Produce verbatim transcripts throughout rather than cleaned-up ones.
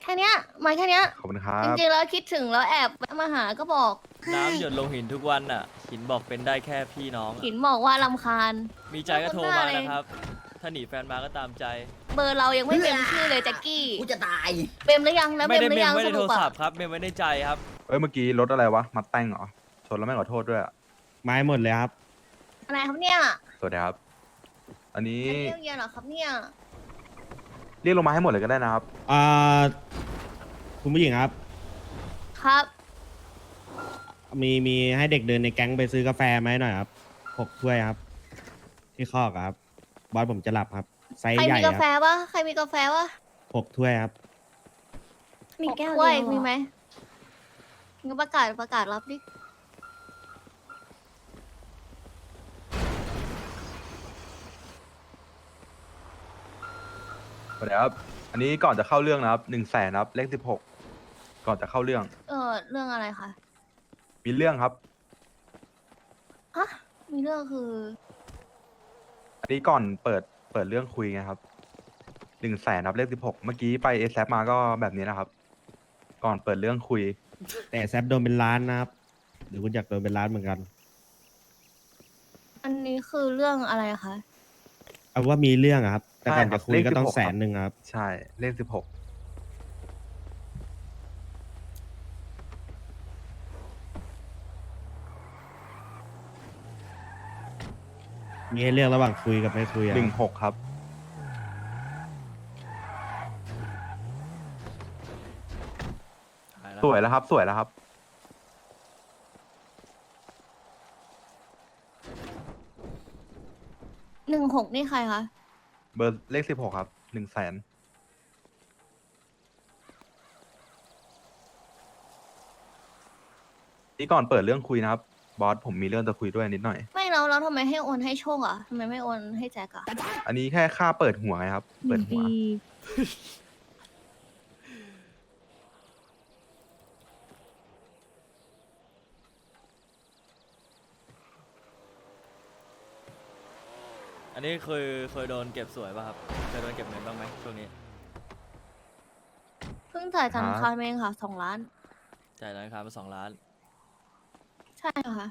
ค่เนี้ยมาแค่เนี้ยขอบคุณครัจบริงๆแล้วคิดถึงแล้วแอบแวะมาหาก็บอกน้ำหยดลงหินทุกวันน่ะ หินบอกเป็นได้แค่พี่น้องอะหินบอกว่าลำคาญมีใจก็โทรมานะครับ ถ้าหนีแฟนมาก็ตามใจเบอร์เรายังไม่เต็มชื่อเลยแจ็คกี้กูจะตายเมมหรือยังแล้วไม่เมมได้หรืเมอยัมงไม่สได้โทรุรปอะศัพท์ครับเมมไว้ในใจครับเอ้ยเมื่อกี้รถอะไรวะมาแต่งเหรอชนแล้วไม่ขอโทษด้วยอะไม้หมดเลยครับอะไรครับเนี่ยสวัสดีครับ อันนี้อันนี้เย็นเหรอครับเนี่ยเรียกลงมาให้หมดเลยก็ได้นะครับอ่า คุณผู้หญิงครับครับมีมีให้เด็กเดินในแก๊งไปซื้อกาแฟไหมหน่อยครับหกถ้วยครับ ที่คอกอะครับ บอสผมจะหลับครับ ไซส์ใครใหญ่มีคการับแฟวะใครมีกาแฟวะหกถ้วยครับมีแก้วเดียวมีไหมงั้นประกาศประกาศรับดิสวัสดีครับ อันนี้ก่อนจะเข้าเรื่องนะครับหนึ่งแสนนะครับเลขสิบหกก่อนจะเข้าเรื่องเออเรื่องอะไรคะมีเรื่องครับฮะมีเรื่องคืออันนี้ก่อนเปิดเปิดเรื่องคุยไงครับหนึ่งแสนครับเลขสิบหกเมื่อกี้ไปเอซมาก็แบบนี้นะครับ ก่อนเปิดเรื่องคุยแต่แซฟโดนเป็นล้านนะครับหรือคุณอยากโดนเป็นล้านเหมือนกันอันนี้คือเรื่องอะไรคะเอาว่ามีเรื่องอะครับ แต่ก่อนใช่ครัจะบคุยก็ต้องเลขสิบหกแสนหนึ่งครับใช่เลขสิบหกมีให้เลือกระหว่างคุยกับไม่คุยอะหนึ่งหกครับ สวยแล้วครับ สวยแล้วครับหนึ่งหกนี่ใครคะเบอร์เลขสิบหกครับหนึ่งแสนนี่ก่อนเปิดเรื่องคุยนะครับ บอสผมมีเรื่องจะคุยด้วยนิดหน่อยไม่แล้วแล้วทำไมให้โอนให้โชคอ่ะทำไมไม่โอนให้แจ็คอ่ะอันนี้แค่ค่าเปิดหัวไงครับ เปิดหัวอันนี้เคยเคยโดนเก็บสวยป่ะครับ เคยโดนเก็บเงินบ้างไหมช่วงนี้เพิ่งจ่ายธนาคคารัรบเองค่ะสองล้านจ่ายธนาคารมาสองล้านใช่ค่ะ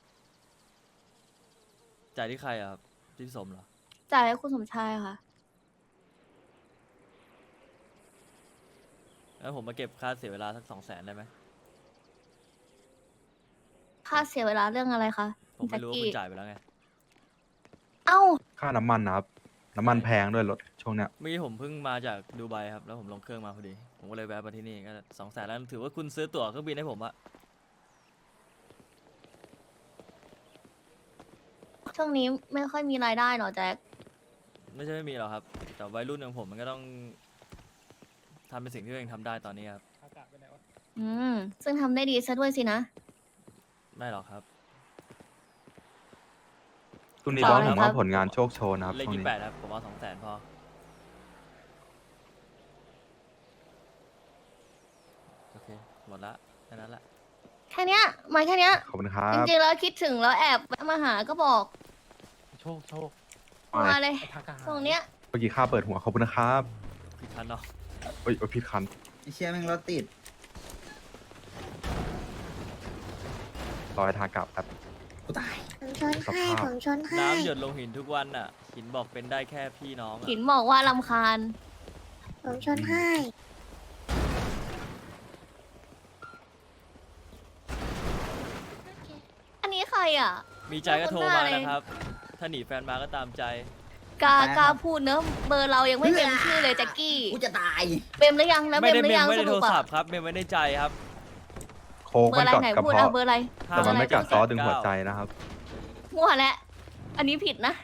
จ่ายที่ใครอะครับ ที่พี่สมเหรอจ่ายให้คุณสมชายค่ะแล้วผมมาเก็บค่าเสียเวลาสักสองแสนได้ไหมค่าเสียเวลาเรื่องอะไรคะผมไม่แจ็ครู้ว่ากี้คุณจ่ายไปแล้วไงเอ้าค่าน้ำมันนะครับ น้ำมันแพงด้วยรถช่วงเนี้ยเมื่อกี้ผมเพิ่งมาจากดูไบครับ แล้วผมลงเครื่องมาพอดี ผมก็เลยแวะมาที่นี่ก็สองแสนแล้วถือว่าคุณซื้อตั๋วเครื่องบินให้ผมอะช่วงนี้ไม่ค่อยมีรายได้หรอแจ็คไม่ใช่ไม่มีหรอกครับ แต่วัยรุ่นอย่างผมมันก็ต้องทำเป็นสิ่งที่ตัวเองทำได้ตอนนี้ครับอืม ซึ่งทำได้ดีซะด้วยสินะไม่หรอกครับช่วงนี้ต่บออสเลยผมครัว่าบผลงานโชคโชนนะครับเลขช่วงยี่นี้แปดครับ ผมเอาสองแสนพอ โอเค หมดละแค่นั้นแหละแค่เนี้ยมาแค่เนี้ยขอบคุณครัจบริงๆแล้วคิดถึงแล้วแอบแวะมาหาก็บอกโชคโชคมาเลยไอ้ทากาตรงเนี้ยเมื่อกี้ค่าเปิดหัวขอบคุณนะครับพี่คันเนาะเอ้ยเอ้ยผิดคันไอเชี่ยแม่งรถติดรอยทางกลับครับกูตายผมชนให้สภาพผมชนให้น้ำหยดลงหินทุกวันน่ะ หินบอกเป็นได้แค่พี่น้องอะหินบอกว่าลำคาญผมชนให้อันนี้ใครอ่ะมีใจก็โทรมานะครับ ถ้าหนีแฟนมาก็ตามใจกาไปครับกาพูดเนอะเบอร์เรายังไม่เต็มชื่อเลยแจ็คกี้กูจะตายเมมหรือยังแล้วเมไม่มได้หรืเมอมยังไม่สได้โทรุรปอะศัพท์ครับ เมมไว้ในใจครับโค้กเบอมันร์อะไรกัดไหนกระพูดเพาะเอาเบอร์อะไรแต่มันไม่กัดซอสดึงหัวใจนะครับมั่วแล้วอันนี้ผิดนะ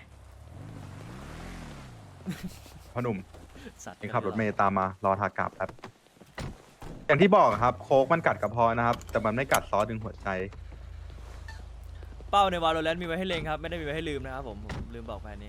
พ่อหนุ่มสัตว์นี่ขับรถเมย์ตามมารอทากลับครับ อย่างที่บอกครับ โค้กมันกัดกระเพาะนะครับ แต่มันไม่กัดซอสดึงหัวใจเป้าในวาโลแรนต์มีไว้ให้เล็งครับ ไม่ได้มีไว้ให้ลืมนะครับผมผมลืมบอกไปอันนี้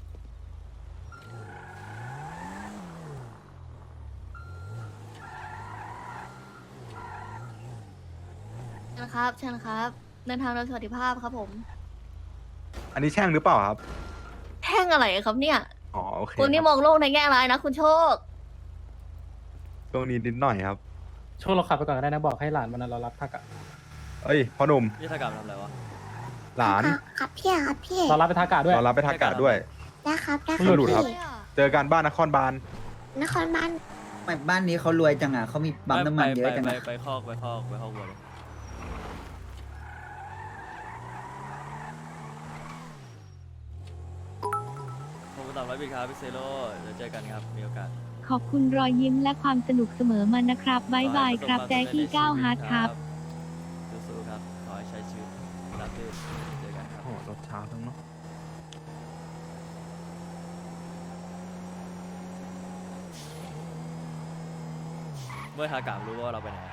เชิญครับเชิญครับ เดินทางโดยสวัสดิภาพครับผมอันนี้แช่งหรือเปล่าครับแท่งอะไรครับเนี่ยอ๋อโอเคคุณนี่คมรับองโลกในแง่ร้ายนะ คุณโชคตรงนี้นิดหน่อยครับโชคเราขับไปก่อนก็ได้นะบอกให้หลานมันเรารับทักอะเอ้ยพ่อหนุ่มนี่ถ้ากลับมาทำอะไรวะหลานครับพี่ครับพี่เรารับไปทักกะด้วยเรารับไปทักกาด้วยได้ครับได้คหลุรับดครับพี่เจอกันบ้านนครบาลนครบ้านไม่บ้านนี้เขารวยจังอ่ะเขามีปั๊มน้ำมันเยอะจังไปอ่ะไปไปคอกไปคอกไปคอกวัวเลยขอบคุณสามร้อยบิตครับพี่เซโร่เดี๋ยวเจอกันครับมีโอกาสขอบคุณรอยยิ้มและความสนุกเสมอมานะครับบายบายครับแจ็คกี้ก้าวฮาร์ดครับสู้ๆครับ ขอให้ใช้ชีวิตรับรื่นเจอกันครับโอ้โหรถช้าทั้งเนาะเมื่อทากามรู้ว่าเราไปไหน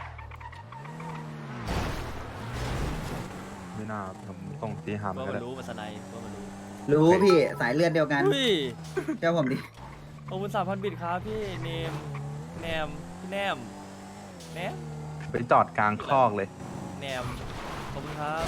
ไม่น่าผมส่งตีหามว่าก็มันได้รู้มันสไนด์ว่ามันรู้รู้พี่สายเลือดเดียวกันอุ้ยเจ้าผมดิขอบคุณสามพันบิตครับพี่เนมแนมพี่แนมแนมไปจอดกลางคอกเลยแนมขอบคุณครับ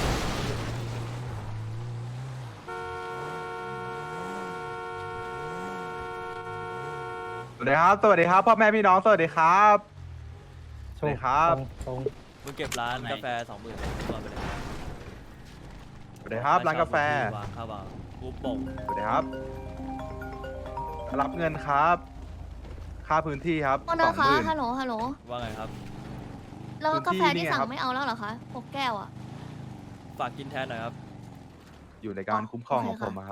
สวัสดีครับ สวัสดีครับพ่อแม่พี่น้อง สวัสดีครับโชสวัสคดีครับตรงมึงเก็บร้านกาแฟสองหมื่นก่อนไปเลยสวัสดีครับร้านกาแฟวางข้าววางกูป่งสวัสดีครับ รับเงินครับ ค่าพื้นที่ครับโทษสอนะงหคะมื่นฮัลโหลฮัลโหลว่าไงครับแล้วกาแฟพื้นที่ที่นี่ไงสั่งครับไม่เอาแล้วเหรอคะหกแก้วอ่ะฝากกินแทนหน่อยครับอยู่ในการคุ้มครองโอของเคผค่ะมอะครับ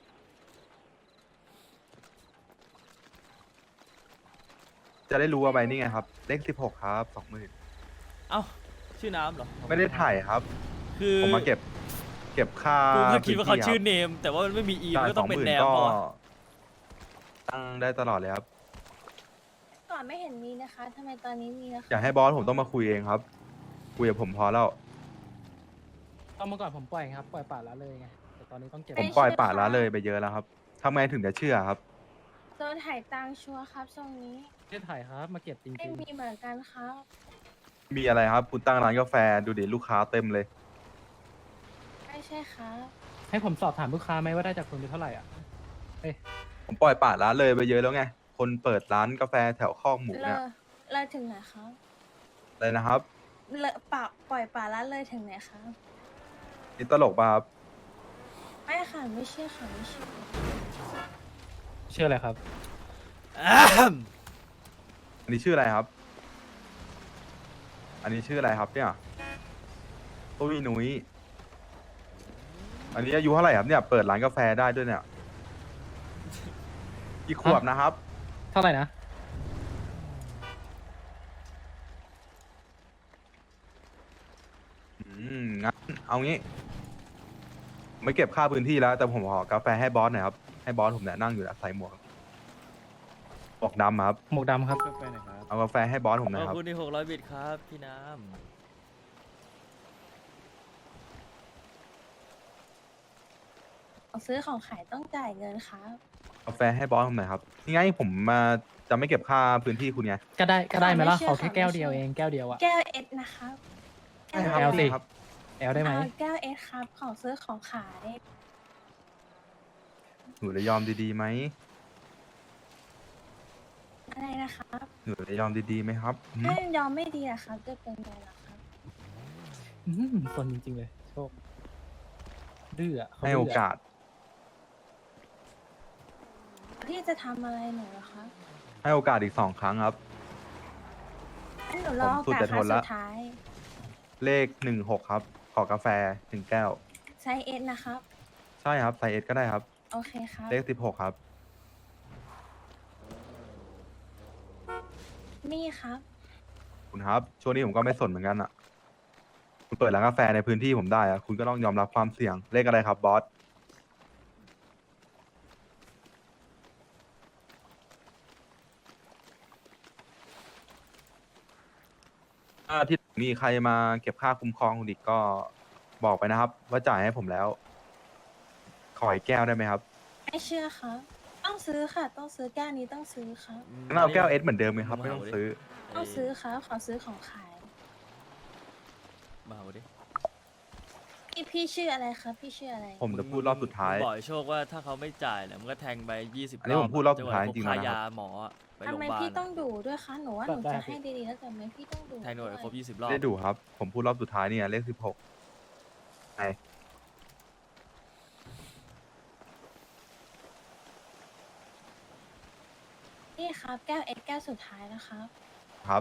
จะได้รู้ว่าใบนี่ไงครับ เลขสิบหกครับสองหมื่นเอ้าชื่อน้ำเหรอไม่ได้ถ่ายครับคือผมมาเก็บ เก็บค่ากูก็คิดว่าเขาพื้นที่ชื่อรับเนม แต่ว่ามันไม่มีอีจ่ามันยก็สต้ออง งหเป็นมื่นแนมก็ก่อนตั้งได้ตลอดเลยครับก่อนไม่เห็นมีนะคะทำไมตอนนี้มีนะคะอยากให้บอสผมต้องมาคุยเองครับ คุยกับผมพอแล้วตอนเมื่อก่อนผมปล่อยครับปล่อยป่าละเลยไงแต่ตอนนี้ต้องเก็บผมปล่อยป่าละเลยไปเยอะแล้วครับทำไงถึงจะเชื่อครับโดนถ่ายตังค์ชัวร์ครับทรงนี้ไม่ได้ถ่ายครับมาเก็บจริไม่งมีเหมือนกันครับมีอะไรครับ คุณตั้งร้านกาแฟดูดิลูกค้าเต็มเลยไม่ใช่ครับๆให้ผมสอบถามลูกค้าไหมว่าได้จากคุณไปเท่าไหร่อ่ะผมปล่อยป่าละเลยไปเยอะแล้วไง คนเปิดร้านกาแฟแถวคอกหมูเลเนี่ยอเลยถึงไหนครับอะไรนะครับเลอป่าปล่อยป่าละเลยถึงไหนครับนี่ตลกป่ะครับไม่ค่ะไม่เชื่อค่ะไม่เชื่อเชื่ออะไรครับอันนี้ชื่ออะไรครับ อันนี้ชื่ออะไรครับเนี่ยตุ้ยหนุยอันนี้อายุเท่าไหร่ครับเนี่ย เปิดร้านกาแฟได้ด้วยเนี่ยกี่ขวบนะครับเท่าไหร่นะอืมงั้นเอางี้ ไม่เก็บค่าพื้นที่แล้ว แต่ผมขอกาแฟให้บอสหน่อยครับ ให้บอสผมเนี่ยนั่งอยู่นะใส่หมวกหมวกดำครับหมวกดำครับเอากาแฟให้บอสผมหขน่ออย บครับคุณที่หกร้อยบิตครับ พี่น้ของซื้อของขายต้องจ่ายเงินครับกาแฟให้บอสผมหน่อยครับนี่ไงผมมาจะไม่เก็บค่าพื้นที่คุณไงก็ได้ก็ได้ไหมล่ะไม่เชื่อขอแค่ค่ะแก้วไม่เชื่เดียวอเองแก้วเดียวอะแก้วเอสนะครับแก้วใช่ครับแอลสินี่ครับแอลได้ไหมเอาแก้วเอสครับ ของซื้อของขายหนูจะยอมดีๆไหมอะไรนะครับหนูจะยอมดีๆไหมครับหืมถ้ายอมไม่ดีอะครับ จะเป็นไงล่ะครับอืมคนจริงๆเลย โชค ดื้ออะเขให้โอกาสพี่จะทำอะไรหนูเหรอคะให้โอกาสอีกสองครั้งครับงั้นหนูรอผมโอสุดกาสจะคทรั้นงละสุดท้ายเลขหนึ่งหกครับ ขอกาแฟหนึ่งแก้วไซส์เอสนะครับใช่ครับไซส์เอสก็ได้ครับโอเคครับเลขสิบหกครับนี่ครับคุณครับ ช่วงนี้ผมก็ไม่สนเหมือนกันอ่ะ คุณเปิดร้านกาแฟในพื้นที่ผมได้อะคุณก็ต้องยอมรับความเสี่ยง เลขอะไรครับบอส ถ้าที่มีใครมาเก็บค่าคุ้มครองคุณอีกก็บอกไปนะครับ ว่าจ่ายให้ผมแล้ว ขออีกแก้วได้ไหมครับไม่เชื่อครับ ต้องซื้อค่ะ ต้องซื้อแก้วนี้ต้องซื้อครับำงั้นเอาแก้วเอสเหมือนเดิมไหมครับ ไม่ต้องซื้อต้องซื้อครับ ขอซื้อของขายมาเอาดิพี่พี่ชื่ออะไรครับพี่ชื่ออะไรผมจะพูดรอบสุดท้ายมึงบอกไอ้โชคว่าถ้าเขาไม่จ่ายเนี่ยมึงก็แทงไปยี่สิบอันนี้ผมพูดรอบสุดท้ายจริงๆค่าแล้วนะครับยาหมออะไปทำโรงพไมยาบาลพี่ต้ออะงดูด้วยคะหนูว่าหนูจะให้ดีๆแล้วแต่ทำไมพี่ต้องดูแทงหน่วยด้วยครบยี่สิบรอบไม่ได้ดูครับ ผมพูดรอบสุดท้ายเนี่ยเลขสิบหกไอนี่ครับแก้วเอ็กแก้วสุดท้ายนะครับครับ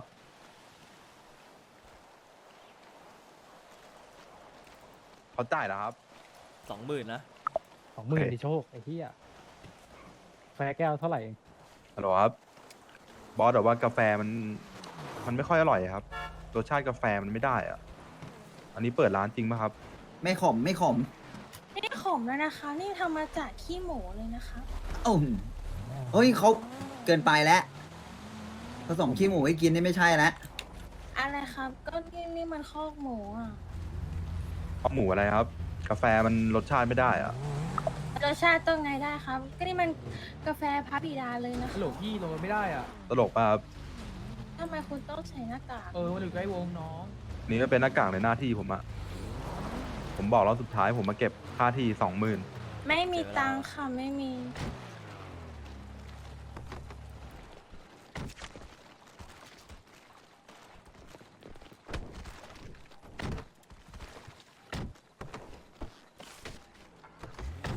เขาจ่ายแล้วครับสองหมื่นนะสองหมื่นโอเคดิโชคไอ้เหี้ยแฟร์แก้วเท่าไหร่เองฮัลโหลครับ บอสบอกว่ากาแฟมัน มันไม่ค่อยอร่อยครับ รสชาติกาแฟมันไม่ได้อะอันนี้เปิดร้านจริงป่ะครับไม่ขมไม่ขมไม่ได้ขมแล้วนะคะ นี่ทำมาจากขี้หมูเลยนะคะโอ้โหเฮ้ยเขาเกินไปแล้วผสมขี้หมูให้กินนี่ไม่ใช่แล้วอะไรครับ ก็นี่นี่มันคอกหมูอ่ะข้าวหมูอะไรครับ กาแฟมันรสชาติไม่ได้อะรสชาติต้องไงได้ครับ ก็นี่มันกาแฟพระบิดาเลยนะฮัลคะโหลพี่ลงมาไม่ได้อ่ะตลกป่ะครับทำไมคุณต้องใส่หน้ากากเออมาถึงใกล้วงน้องนี่ก็เป็นหน้ากากในหน้าที่ผมอะผมบอกแล้วสุดท้ายผมมาเก็บค่าที่สองหมื่นไม่มีตังค์ค่ะไม่มี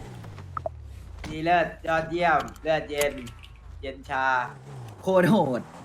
ดีเลิศยอดเยี่ยม เลือดเย็น เย็นชาโคตรโหด